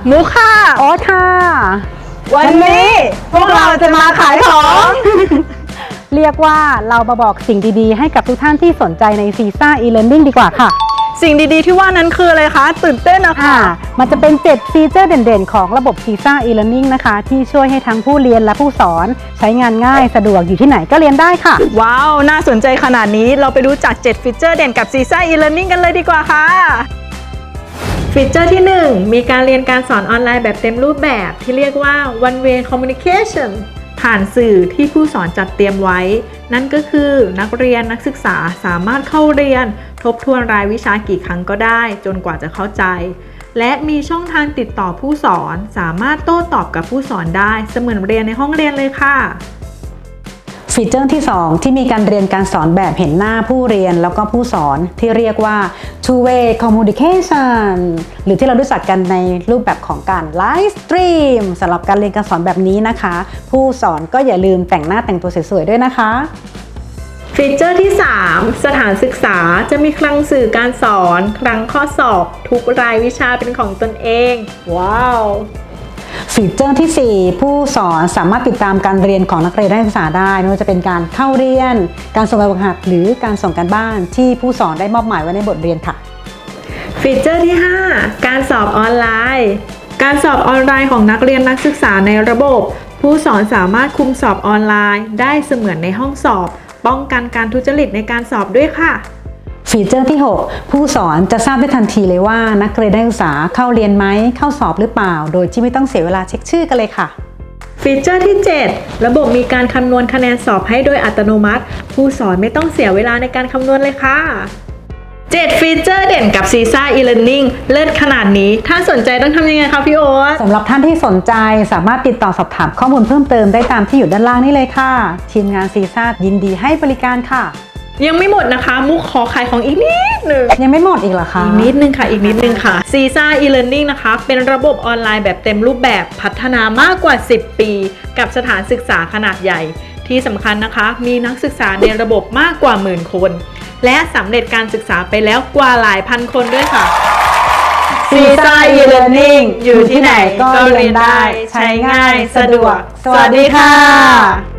มุกค่ะโอ๊ตค่ะวันนี้พวกเราจะมาขายของเรียกว่าเรามาบอกสิ่งดีๆให้กับทุกท่านที่สนใจในซีซ่า e-learning ดีกว่าค่ะสิ่งดีๆที่ว่านั้นคืออะไรคะ ตื่นเต้นนะคะมันจะเป็น 7 ฟีเจอร์เด่นๆ ของระบบซีซ่า e-learning นะคะ ที่ช่วยให้ทั้งผู้เรียนและผู้สอนใช้งานง่ายสะดวกอยู่ที่ไหนก็เรียนได้ค่ะว้าว น่าสนใจขนาดนี้เราไปดูจาก 7 ฟีเจอร์เด่นกับ CISA e-learning กันเลยดีกว่าค่ะฟีเจอร์ที่ 1 มีการเรียนการสอนออนไลน์แบบเต็มรูปแบบที่เรียกว่า one way communication ผ่านสื่อที่ผู้สอนจัดเตรียมไว้ นั่นก็คือนักเรียนนักศึกษาสามารถเข้าเรียนทบทวนรายวิชากี่ครั้งก็ได้จนกว่าจะเข้าใจ และมีช่องทางติดต่อผู้สอนสามารถโต้ตอบกับผู้สอนได้เสมือนเรียนในห้องเรียนเลยค่ะฟีเจอร์ที่ 2 ที่มีการเรียนการสอนแบบเห็นหน้าผู้เรียนแล้วก็ผู้สอนที่เรียกว่า two way communication หรือที่เรารู้จักกันในรูปแบบของการไลฟ์สตรีมสำหรับการเรียนการสอนแบบนี้นะคะ ผู้สอนก็อย่าลืมแต่งหน้าแต่งตัวสวยๆด้วยนะคะฟีเจอร์ที่ 3 สถานศึกษาจะมีคลังสื่อการสอนคลังข้อสอบทุกรายวิชาเป็นของตนเอง ว้าวฟีเจอร์ที่ 4 ผู้สอนสามารถติดตามการเรียนของนักเรียนนักศึกษาได้ไม่ว่าจะเป็นการเข้าเรียนการส่งแบบฝึกหัดหรือการส่งการบ้านที่ผู้สอนได้มอบหมายไว้ในบทเรียนค่ะฟีเจอร์ที่ 5 การสอบออนไลน์ การสอบออนไลน์ของนักเรียนนักศึกษาในระบบ ผู้สอนสามารถคุมสอบออนไลน์ได้เสมือนในห้องสอบ ป้องกันการทุจริตในการสอบด้วยค่ะฟีเจอร์ที่ 6 ผู้สอนจะทราบได้ทันทีเลยว่านักเรียนนักศึกษาเข้าเรียนไหมเข้าสอบหรือเปล่า โดยที่ไม่ต้องเสียเวลาเช็คชื่อกันเลยค่ะฟีเจอร์ที่ 7 ระบบมีการคำนวณคะแนนสอบให้โดยอัตโนมัติ ผู้สอนไม่ต้องเสียเวลาในการคำนวณเลยค่ะ 7 ฟีเจอร์เด่นกับ CISA e-learning เลิศขนาดนี้ ถ้าสนใจต้องทำยังไงคะพี่โอ๊ตสำหรับท่านที่สนใจสามารถติดต่อสอบถามข้อมูลเพิ่มเติมได้ตามที่อยู่ด้านล่างนี้เลยค่ะ ทีมงานซีซ่ายินดีให้บริการค่ะยังไม่หมดนะคะ มุกขอขายของอีกนิดหนึ่งยังไม่หมดอีกเหรอคะอีกนิดนึงค่ะ อีกนิดนึงค่ะ CISA e-learning นะคะ เป็นระบบออนไลน์แบบเต็มรูปแบบพัฒนามากกว่า 10 ปี กับสถานศึกษาขนาดใหญ่ ที่สำคัญนะคะ มีนักศึกษาในระบบมากกว่าหมื่นคน และสำเร็จการศึกษาไปแล้วกว่าหลายพันคนด้วยค่ะ CISA e-learning อยู่ที่ไหนก็เรียนได้ใช้ง่ายสะดวกสวัสดีค่ะ